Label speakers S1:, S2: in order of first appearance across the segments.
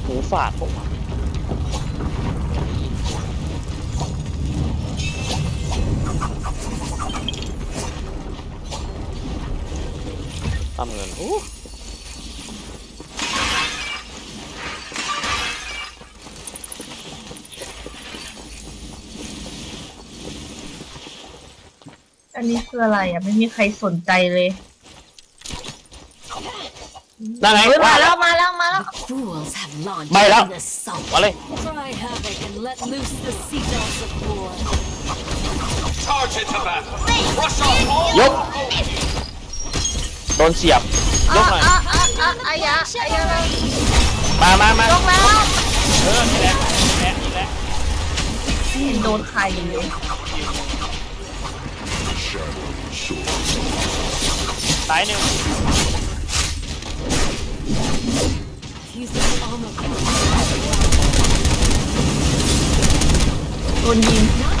S1: หูฝาดผมทำเงิน
S2: อันนี้คืออะไรอ่ะไม่มีใครสนใจเลย
S1: นั่นไง
S2: มาแล้วมาแล้ว
S1: ไม่แล้วมาเลยยกโดนเสียบยกหน่อย
S2: อายะ
S1: มาย
S2: กแล้ว
S1: นี่แหละนี่แหละ
S2: โดนใครเลย
S1: ตายหนึ่ง
S2: โดนยิง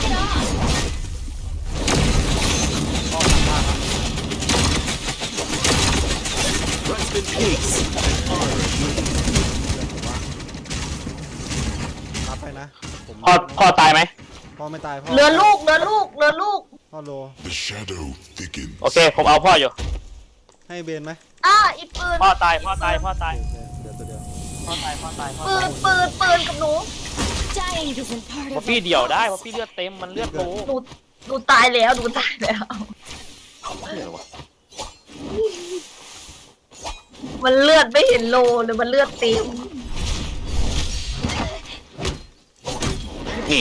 S3: รับไปนะ
S1: พ่อตายไหม
S3: พ่อไม่ตายพ่อ
S2: เรือลูก
S3: พ่อโล
S1: โอเคผมเอาพ่ออยู่
S3: ให้เบนไหม
S2: อีปืน
S1: พ่อตายเ
S3: ดี๋ยวตัวเดียว
S1: พ่อตาย
S2: ปืนกับหนู
S1: พอพี่เดี่ยวได้พอพี่เลือดเต็มมันเลือดโต
S2: หนูตายแล้วมันเลือดไม่เห็นโลเลยมันเลือดเต็ม
S1: นี่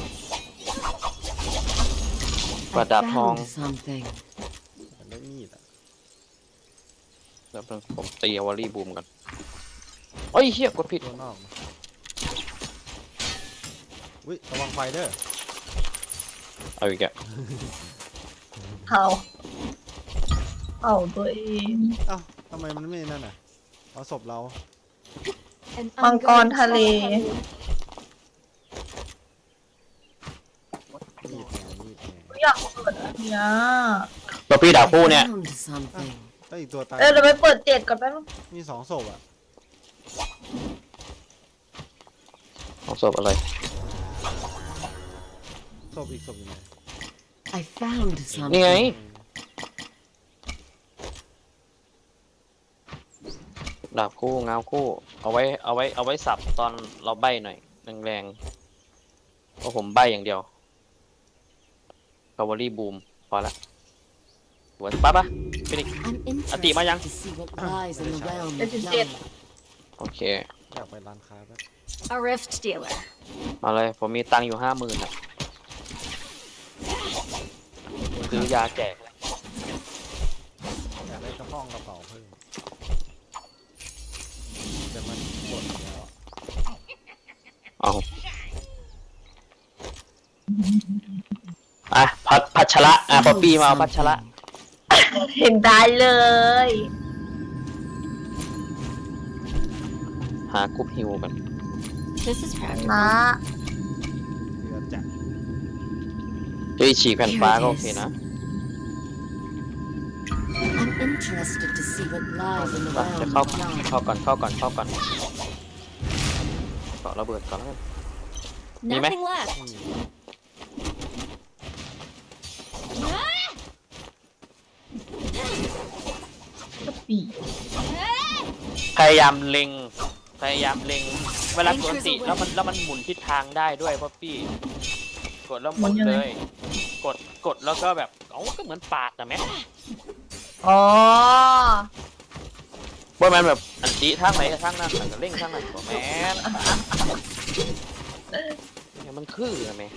S1: ประดับทอง
S3: ได้มีด
S1: แล้วผมตีวอลลี่บูมกันโอ้ยเฮียกดผิด
S3: ตัวนอกวิระวังไฟเด้อ
S1: เอาอีกอะ
S2: เอาตัวเอง
S3: ทำไมมันไม่นั่นน่ะเอาศพเรา
S2: มังกรทะเลอยากเปิดอันนี้
S1: ตัวพี่ดาบคู่เนี่ย
S3: ก็อีกตัวตาย
S2: เราไปเปิด7ก่อนแป๊บนึง
S3: มี2ศพอ่ะ
S1: เอาศพอะไร
S3: ศพอีกศพอยู่ไหน
S1: นี่ไงดาบคู่เงาคู่เอาไว้สับตอนเราใบ้หน่อยแรงๆเพราะผมใบ้อย่างเดียวคาวอรี่บูมพอละหัวปั๊บฟินิกอติมายังโอเค
S3: อยากไปร้านค้าแป๊บ
S1: มาเลยผมมีตังค์อยู่50,000อ่ะซื้อยาแจก
S3: อยากได้กระป๋องกระเป๋าเพิ่มแต่มันหมดแล้ว
S1: พัชระป๊อปปี้มาเอาพัชระ
S2: เห็นได้เลย
S1: หากรุ๊ปฮิวกัน
S2: มา
S3: เรือจัก
S1: ฉีกแผ่นฟ้าก็โอเคนะจะเข้าก่อนเกาะระเบิดก่อนแล้วมีไหมพยายามเล็งเวลากดติแล้วมันหมุนทิศทางได้ด้วยเพราะพี่กดแล้วหมุนเลยกดแล้วก็แบบก็เหมือนปาดนะแม่ว่ามันแบบอันตีทางไหนทางนั้นแต่เร่งทางนั้นก็แม่เนี่ยมันคือนะแม่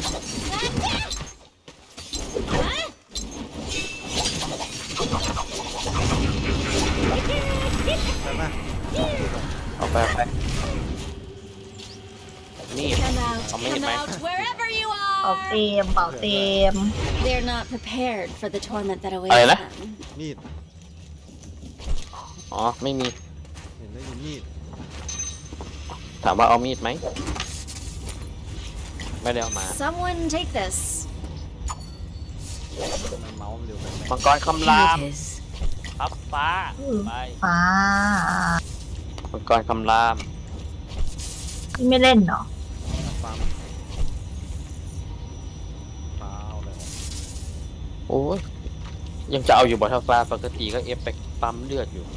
S1: เอาไปนี่เอาไม่เห็นไหม
S2: เป่าเต็ม
S1: อะไรนะ
S3: มีด
S1: ไม่มี
S3: เห็นได้ยินมีด
S1: ถามว่าเอามีดไหมไม่ได้เอามามังกรคำรามครับฟ้าไปมังกรคำราม
S2: พี่ไม่เล่นเนาะ
S3: ปั๊มเปล่าเลย
S1: โอ้ยยังจะเอาอยู่บอทฟ้าปกติก็เอฟไปปั๊มเลือดอยู่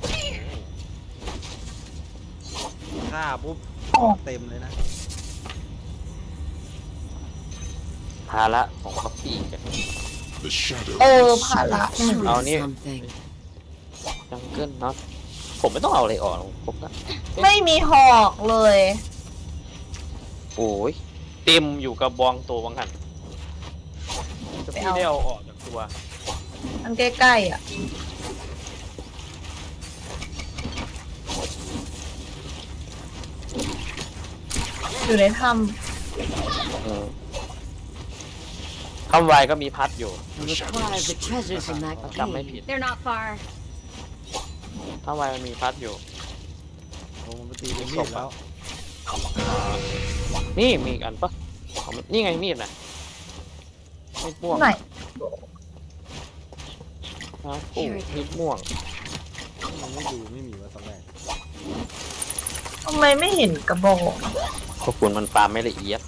S3: ฆ่าปุ๊บเต็มเลยนะ
S1: ภาระของคอฟฟี่กัน
S4: The shadow
S2: ภาระ
S1: เอานี่
S5: something.
S1: จังเกิลน็อตผมไม่ต้องเอาอะไรออกหรอกผมก็
S2: ไม่มีหอกเลย
S1: โอ้ยเต็มอยู่กับบองตัววังหันจะพี่ได้เอาออกจากตัว
S2: อันใกล้ๆอ่ะ อยู่ในถ้
S1: คำวายก็มีพัดอยู่
S5: I'll acquire the treasures in that
S1: จำไม่ผิด
S5: cave. They're not far.
S1: คำวายมันมีพัดอยู่
S3: โอ้มันไปตีเป็นมีดแล้ว
S1: นี่มีอีกอันปะอ๋อนี่ไงมีดน่ะมีดม่วง
S2: ำไหน
S1: ครับโอ้มีดม่วง
S3: มันไม่ดูไม่มีว่าตอนแรก
S2: ทำไมไม่เห็นกระบอก
S1: ขอบคุณมันปาล์มไม่ละเอียด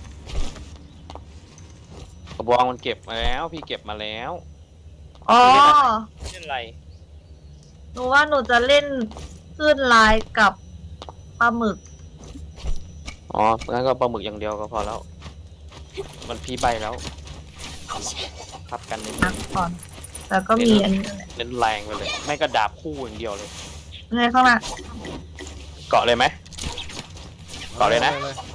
S1: กระบองมันเก็บมาแล้ว พี่เก็บมาแล้ว
S2: อ๋อ
S1: ไม่เป็นไร
S2: หนูว่าหนูจะเล่นคลื่นลายกับปลาหมึก
S1: อ๋องั้นก็ปลาหมึกอย่างเดียวก็พอแล้ว มันพี่ใบแล้วทับกันเน้น
S2: นักก่อน แล้วก็มีอันนี้แหละ
S1: เน้นแรงไปเลย ไม่ก็ดาบคู่อย่างเดียวเลย
S2: ไงเข้ามา
S1: เกาะเลยไหม ต่อเลยนะ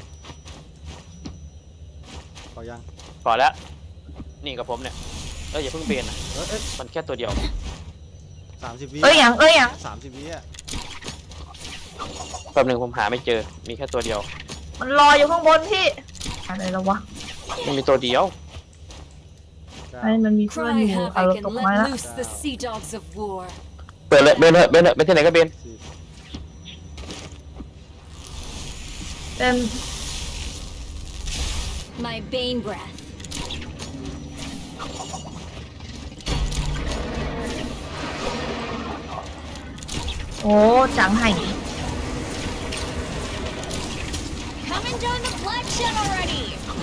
S3: ขอยัง
S1: เกาะแล้ว นี่กับผมเนี่ยอย่าเพิ่งเบนนะ
S3: เอ้ย
S1: มันแค่ตัวเดียว
S3: 30 วิ
S2: เอ้ยยัง
S3: 30 วิอ่ะ
S1: แป๊บหนึ่งผมหาไม่เจอ มีแค่ตัวเดียว
S2: มันรออยู่ข้างบนพี่ อะไรแล้ววะ
S1: มันมีตัวเดียว
S2: ไอ้มันมีเพื่อน
S5: Cry
S2: อยู่เอา
S5: havoc
S2: ตก
S5: and
S2: ไม้
S5: let
S2: ละ
S5: loose the sea dogs of war.
S1: เปิดเลยเบนเถอะเบนเถอะไปที่ไหนก็เบน
S2: เป็น
S5: My bane breath.
S2: โอ้จังไห่
S5: Come and join the bloodshed already.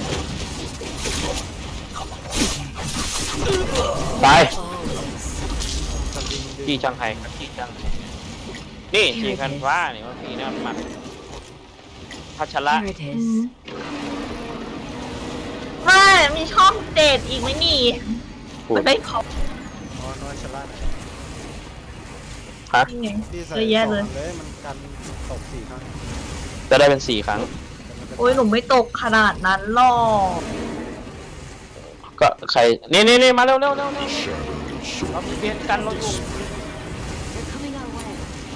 S1: ตาย
S3: สลิงดึง
S1: จีจังไห้กับจีจัง นี่จีคันฟ้านี่ว่าพี่นะมันพัชระ
S5: Here it is.
S2: ไม่มีช่องเดทอีกไหมนี่
S1: พูด
S2: มันได้ขอบ
S3: น้อยชะล่าไหน
S1: ฮะ
S2: นี่ไง
S3: ที่ใส่
S2: เยอะแยะเลย
S3: สองเลยมันกันตก4 ครั้ง
S1: จะได้เป็น4 ครั้ง
S3: แต่มันจะ
S2: โอ้ยหนูไม่ตกขนาดนั้นหรอก
S1: ก็ใคร นี่มาเร็ว
S4: shadow
S1: เรามีเบนกันเราอยู่
S5: They're coming our way.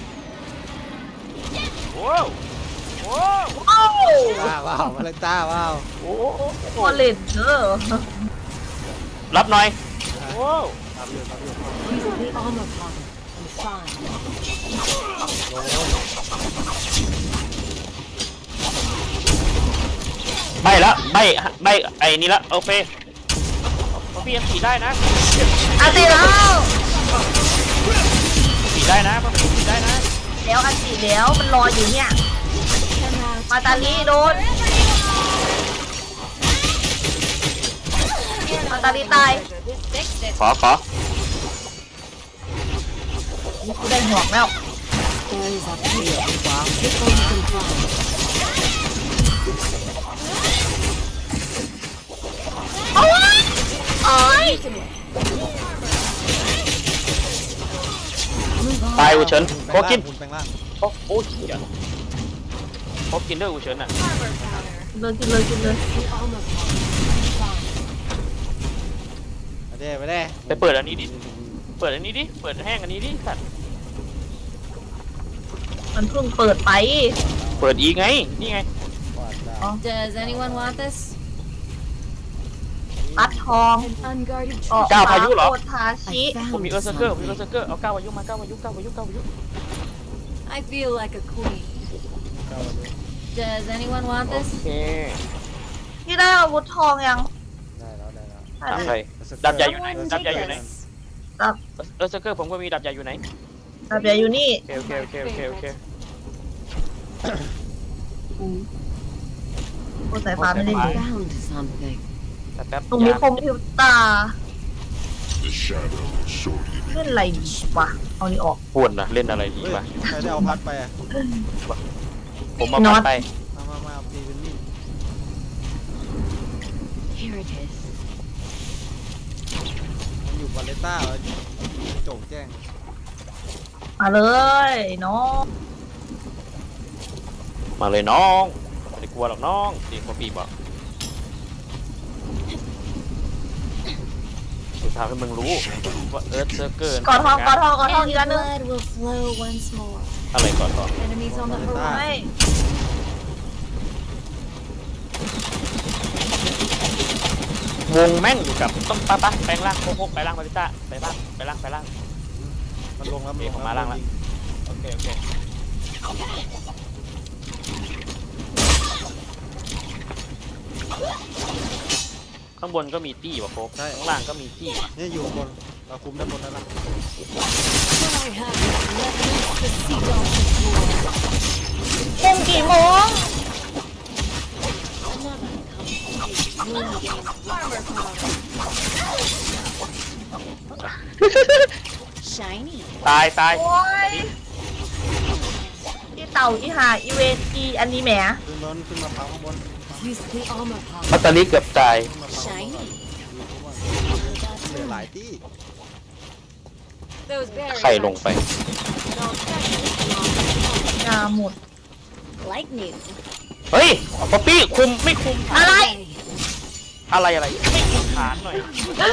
S1: โว้วโว้ว
S2: โอ้
S3: ว้าวมาเลยต้าว้าว
S1: โอ้
S2: พอเล่นเด้อ
S1: รับหน่อยโว้ว
S3: ตามอยู่
S5: Use the armor powder. I'm fine.
S1: ใบละใบไอ้นี่ละโอเคพี่ยังขี่ได้นะ
S2: อาติแล้ว
S1: ขี่ได้นะพี่ขี่ได้นะ
S2: แล้วอาติแล้วมันรออยู่เนี่ย
S5: Come out.
S2: มาตาลีโดน มาตาลีตาย
S5: This fixed it.
S1: ขอ
S2: นี่กูได้หวกแล้ว
S5: There is a cave. Take all you can find.
S2: โอ้ยโอ้ย
S5: Move on.
S1: ตายอูเฉินโคกิน
S3: คุณแปลงร่าง
S1: โอ้ยเหี้ยโคกินด้วยอูเฉินอ่ะ
S5: Armor powder.
S2: กินเลย
S5: The armor powder. I'm fine.
S3: ไปได้
S1: ไปเปิดอันนี้ดิ เปิดอันนี้ดิ เปิดแห้งอันนี้ดิสัตว์
S2: มันเพิ่งเปิดไป
S1: เปิดอีกไง นี่ไง
S3: กวาดดา
S2: อ๋อ
S5: Does anyone want this?
S2: ปัดทอง
S5: An unguarded
S2: ออก
S5: treasure.
S1: ก้าวพายุเหรอ
S2: โคทาชิ
S5: I
S1: ผมมี
S5: found
S1: เออร์เซอร์เกอร์
S5: something.
S1: เอาก้าวอายุมาก้าวอายุ
S5: I feel like a queen.
S3: ก้าวมาดู
S5: Does anyone want
S1: โอ
S5: this?
S1: เค
S2: พี่ได้อาวุธทองยัง
S3: ได้แล้ว
S1: ถามใคร
S3: ได้
S1: ดับใหญ่
S3: แล้ว
S1: อยู่ไหน
S5: Someone
S1: ดับ
S5: take
S1: ใหญ่อยู่ไหน
S5: this.
S1: เออร์เซอร์เกอร์ผมก็มีดับใหญ่อยู่ไหน
S2: แต่เดี๋ยวอยู่นี่
S1: โอเค
S2: โอ้สายฟ้าไม่ได้ดี
S5: Found something.
S1: แต่แป๊บ
S2: ตรงนี้
S1: ยา
S2: คอมพิวเตอร์
S4: The shadow shortly
S2: เล่นอะไรดีวะเอานี่ออก
S1: ปวดนะเล่นอะไรดี
S3: เฮ้ยว
S1: ะ
S3: ใครได้เอาพัดไปอะ
S1: ผมมา
S2: น็อ
S1: พั
S2: ต
S1: ดไป
S3: มาเอาตีเป็นมีด
S5: Here it is.
S3: มันอยู่บาเลต้าเหรอโจ่งแจ้ง
S2: มาเลยน้อง
S1: มาเลยน้องไม่ได้กลัวหรอกน้องเสียงพ่อปีบอกจะทำให้มึงรู้ว่าเอิร์ธเซอร์เกอร์
S2: กอดทองกอดทองกอดทอง
S6: And
S2: อี
S6: the
S2: กอันหนึง
S6: blood will flow once more.
S1: อะไรก่อนต่อ
S6: Enemies on the
S3: บาเลต้า
S2: ไม่
S1: วงแม่งอยู่กับต้องปะแปลงร่างโคกไปร่างมาริต้าไปร่างไปร่าง
S3: มันลงแล้ว
S1: เอกออกมาล่างแล้ว โอเคข้างบนก็มีตี้ว่ะโคกข้างล่างก็มีตี้
S3: เนี่ยอยู่บนเราคุมด้านบนแล้วล่ะ
S5: When I have it, let loose the sea dogs of war.
S2: ปุ่มกี่โมง
S5: Another complete wound gains armor power.
S6: Shiny.
S1: ตาย
S2: โอ้ยอีเต่าอีหาอีเวนอีอันนี้แหม
S3: ขึ้นมาพังข้างบน
S5: Use the armor
S1: พั
S5: power.
S1: ตตาลีเกือบตาย
S3: ขึ้นมาพังข้างบน
S6: Shiny.
S3: เหลือหลายที่
S5: Those barriers
S1: ใครลงไป
S5: but I'll definitely
S2: ยาหมด
S6: Like new.
S1: เฮ้ยป๊อปปี้คุมไม่คุม
S2: อะไร
S1: อะไรไม่คุมฐานหน่อย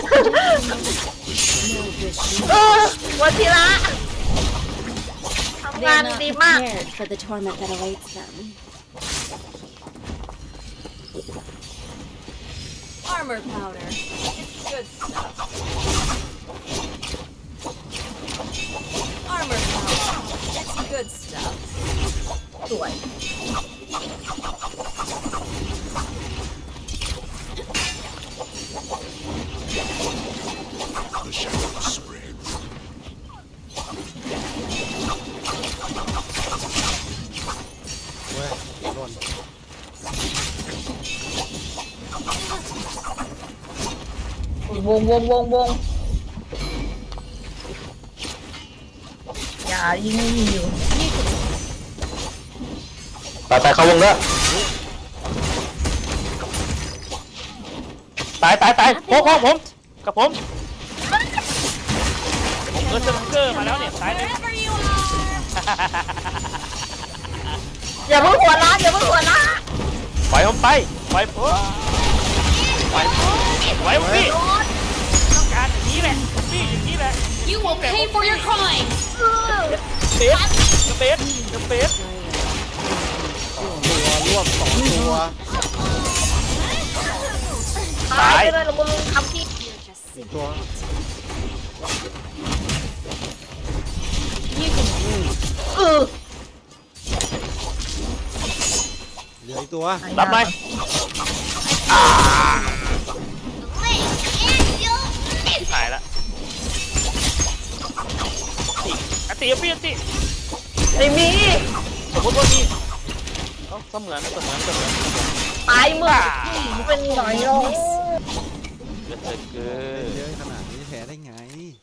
S5: No wish.
S2: วันทีละทำงาน
S6: They're not
S2: ดีมาก
S6: prepared for the torment that awaits them.
S5: Armor powder. It's good stuff. Armor powder. It's good stuff.
S2: สวย
S4: the shadow spreads.
S3: เว้ยโดน
S2: วงอย่ายิงไม่มีอยู่
S1: ไปเข้าวงเด้อตายโคกผมกับผมเออเซอร์เกอร์มาแล้วเนี่ยตายเลย
S6: Wherever you are.
S2: อย่าเพิ่งหัวล้านอย่าเพิ่งหัวล้าน
S1: ปล่อยผมไปปล่อยผมปล่อยผมพี่ต้องการอย่างนี้แหละพี่อย่างนี้แหละ
S6: You will pay for your crimes.
S1: เบส
S3: ตัวร่วมสองตัว
S2: ตายไปเลยละมึงทำพี่
S3: อีกตัว
S2: เออ
S3: เหลืออีกตัว
S1: รับไหมที่ถ่ายละอติพี่อติ
S2: ไม่มี
S1: สมมติว่ามีเสมือน
S2: ตายมึงเป็นหน่อยโอ้
S1: เกินเกิน
S3: เยอะขนาดนี้แพ้ได้ไง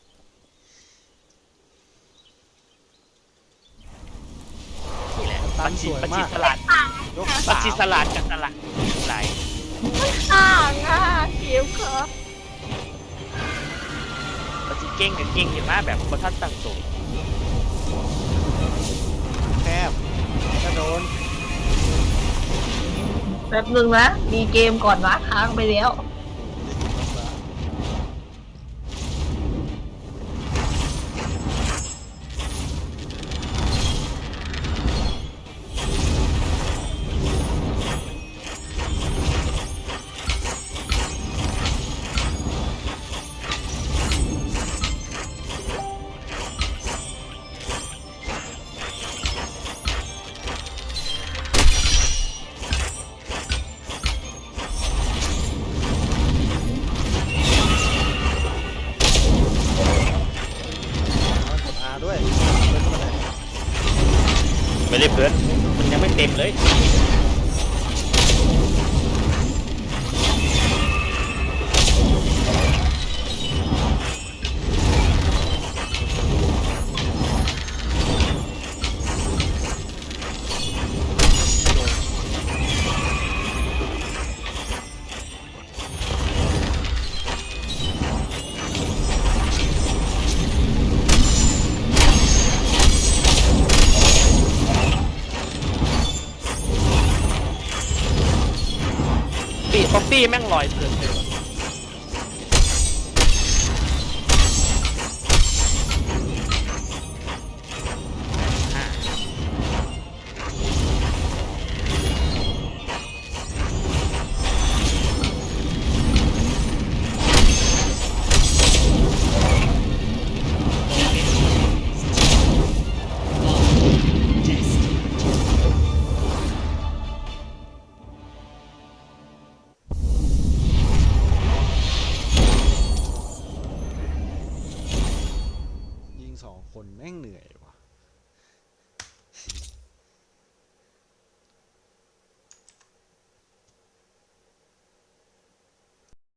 S1: นี่แหละ
S3: ตั
S1: ปั
S3: น
S1: จ
S3: ส
S1: จิ
S3: วย
S1: ปัจจิ
S3: มาก
S1: สลัด
S3: ยก
S1: ปัจ
S3: สาม
S1: จิสลัดกับสลัดไหล
S2: ต่างอ่ะเขียวครับ
S1: ปัจจิเก่งกับเก่งเห็นไหมแบบบรรทัดตั้งสูง
S3: แคบกระโดน
S2: แป๊บนึงนะมีเกมก่อนวะค้างไปแล้ว
S3: กด R ด้วยเป็นคนไหน
S1: ไม่ได้เพื่อนมันยังไม่เต็มเลยอฟฟี่แม่งลอยเกินไปว่ะ
S3: ยิง2 คนแม่งเหนื่อยว่ะ